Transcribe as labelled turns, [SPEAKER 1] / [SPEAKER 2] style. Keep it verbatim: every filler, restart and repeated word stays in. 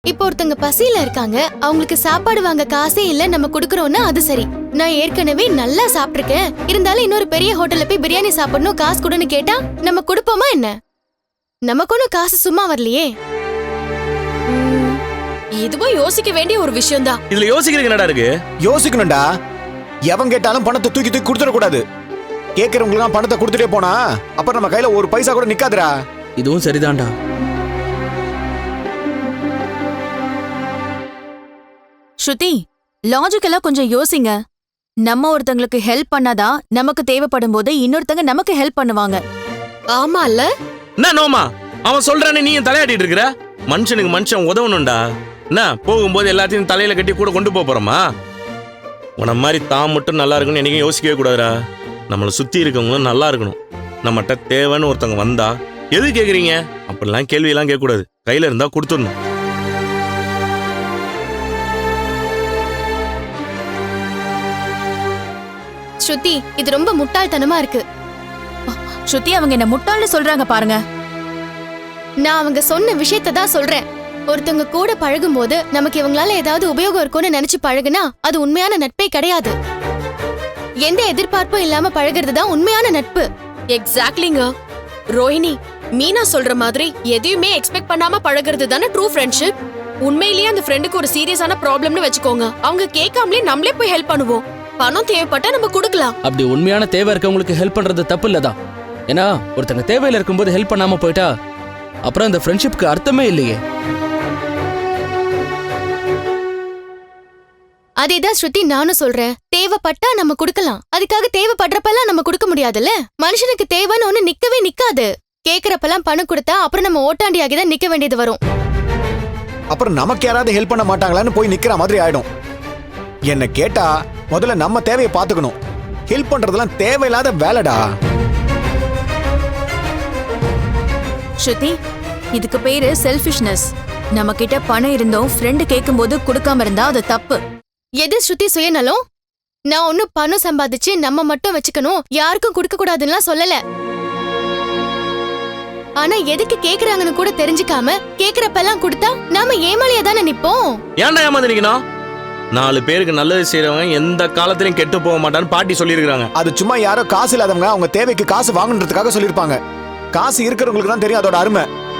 [SPEAKER 1] இப்போ ஒருத்தங்க பசியில இருக்காங்க, அவங்களுக்கு சாப்பாடு வாங்க காசே இல்ல, நம்ம குடுக்கறோம்னா அது சரி. நான் ஏற்கனவே நல்லா சாப்பிட்டிருக்கேன், இருந்தாலும் இன்னொரு பெரிய ஹோட்டல்ல போய் பிரியாணி சாப்பிடணும் காசு கொடுன்னு கேட்டா நம்ம கொடுப்போமா என்ன? நமக்கு ஒன்னும் காசு சும்மா வரலையே.
[SPEAKER 2] இதுவும் யோசிக்க வேண்டிய ஒரு விஷயம் தான்.
[SPEAKER 3] இதுல யோசிக்கிறது என்னடா இருக்கு?
[SPEAKER 4] யோசிக்கணும்டா. எவன் கேட்டாலும் பணத்தை தூக்கி தூக்கி கொடுத்துடக்கூடாது. கேட்கறவங்களுக்கு பணத்தை கொடுத்துட்டே போனா அப்புறம் நம்ம கையில ஒரு பைசா கூட நிக்காதுடா.
[SPEAKER 5] இதுவும் சரிதான்டா.
[SPEAKER 6] ஸ்ருதி, லாஜிக்கலா கொஞ்சம் யோசிங்க. நம்ம ஒருத்தங்களுக்கு ஹெல்ப் பண்ணாதான் நமக்கு தேவைப்படும் போது இன்னொருத்தங்க நமக்கு ஹெல்ப் பண்ணுவாங்க.
[SPEAKER 2] ஆமா இல்ல?
[SPEAKER 3] என்ன நோமா அவன் சொல்றானே நீ தலையாட்டிட்டு இருக்கிற? மனுஷனுக்கு மனுஷன் உதவணும்டா. என்ன போகும்போது எல்லாத்தையும் தலையில கட்டி கூட கொண்டு போறோமா? உன மாதிரி தான் மட்டும் நல்லா இருக்குன்னு என்னைக்கும் யோசிக்கவே கூடாதுடா. நம்மளை சுத்தி இருக்கவங்களும் நல்லா இருக்கணும். நம்மகிட்ட தேவைன்னு ஒருத்தவங்க வந்தா எது கேக்குறீங்க அப்படிலாம் கேள்வியெல்லாம் கேட்க கூடாது. கையில இருந்தா கொடுத்துடணும்.
[SPEAKER 1] ஸ்ருதி, இது ரொம்ப முட்டாள்தனமா இருக்கு.
[SPEAKER 6] ஸ்ருதி, அவங்க என்ன முட்டாள்னு சொல்றாங்க பாருங்க.
[SPEAKER 1] நான் அவங்க சொன்ன விஷயத்தை தான் சொல்றேன். ஒருத்தவங்க கூட பழகும் போது நமக்கு இவங்களால ஏதாவது உபயோகம் இருக்கும்னு நினைச்சு பழகுனா அது உண்மையான நட்பே கிடையாது. எந்த எதிர்பார்ப்பும் இல்லாம பழகிறது தான் உண்மையான நட்பு.
[SPEAKER 2] எக்ஸாக்ட்லிங்க. ரோஹிணி, மீனா சொல்ற மாதிரி எதையுமே எக்ஸ்பெக்ட் பண்ணாம பழகிறது தானே ட்ரூ ஃப்ரெண்ட்ஷிப். உண்மையிலேயே அந்த ஃப்ரெண்டுக்கு ஒரு சீரியஸான ப்ராப்ளம்னு வச்சுக்கோங்க, அவங்க கேட்காமலே நம்மளே போய் ஹெல்ப் பண்ணுவோம். பணம் தேவைப்பட்டா நம்ம கொடுக்கலாம்.
[SPEAKER 5] அப்படி உண்மையான தேவை இருக்கவங்களுக்கு ஹெல்ப் பண்றது தப்பு இல்லதான். ஏன்னா ஒருத்தங்க தேவையில இருக்கும்போது ஹெல்ப் பண்ணாம போயிட்டா அப்புறம் இந்த ஃப்ரெண்ட்ஷிப்க்கு அர்த்தமே இல்லையே.
[SPEAKER 1] அதேதான் ஸ்ருதி நானும் சொல்றேன். தேவைப்பட்டா நம்ம கொடுக்கலாம், அதுக்காக தேவைப்படுறப்பெல்லாம் நம்ம கொடுக்க முடியாதுல்ல. மனுஷனுக்கு தேவைன்னு ஒண்ணு நிக்கவே நிக்காது. கேக்குறப்பெல்லாம் பணம் கொடுத்தா அப்புறம் நம்ம ஓட்டாண்டியாகி தான் நிக்க வேண்டியது வரும்.
[SPEAKER 4] அப்புறம் நமக்கு யாராவது ஹெல்ப் பண்ண மாட்டாங்களான்னு போய் நிக்கிற மாதிரி ஆயிடும். என்ன கேட்டா முதல்ல நம்ம தேவையை பாத்துக்கணும். ஹெல்ப் பண்றதெல்லாம் தேவையில்லாத வேலைடா.
[SPEAKER 6] ஸ்ருதி, இதுக்கு பேரு செல்ஃபிஷ்னஸ். நம்ம கிட்ட பணம் இருந்தோம் ஃப்ரெண்டு கேட்கும் போது கொடுக்காம இருந்தா அது தப்பு.
[SPEAKER 1] எது ஸ்ருதி சுயநலம்? நான் ஒன்னும் பணம் சம்பாதிச்சு நம்ம மட்டும் வச்சுக்கணும், யாருக்கும் கொடுக்க கூடாதுன்னு சொல்லல. ஆனா எதுக்கு கேக்குறாங்கன்னு கூட தெரிஞ்சுக்காம கேக்குறப்பெல்லாம் கொடுத்தா நாம ஏமாளியா தானே நிப்போம்.
[SPEAKER 3] ஏன்டா ஏமாந்து நிக்கணும்? நாலு பேருக்கு நல்லது செய்யறவங்க எந்த காலத்திலயும் கெட்டு போக மாட்டான்னு பாட்டி சொல்லியிருக்காங்க.
[SPEAKER 4] அது சும்மா யாரோ காசு இல்லாதவங்க அவங்க தேவைக்கு காசு வாங்கணுன்றதுக்காக சொல்லியிருப்பாங்க. காசு இருக்கிறவங்களுக்கு தான் தெரியும் அதோட அருமை.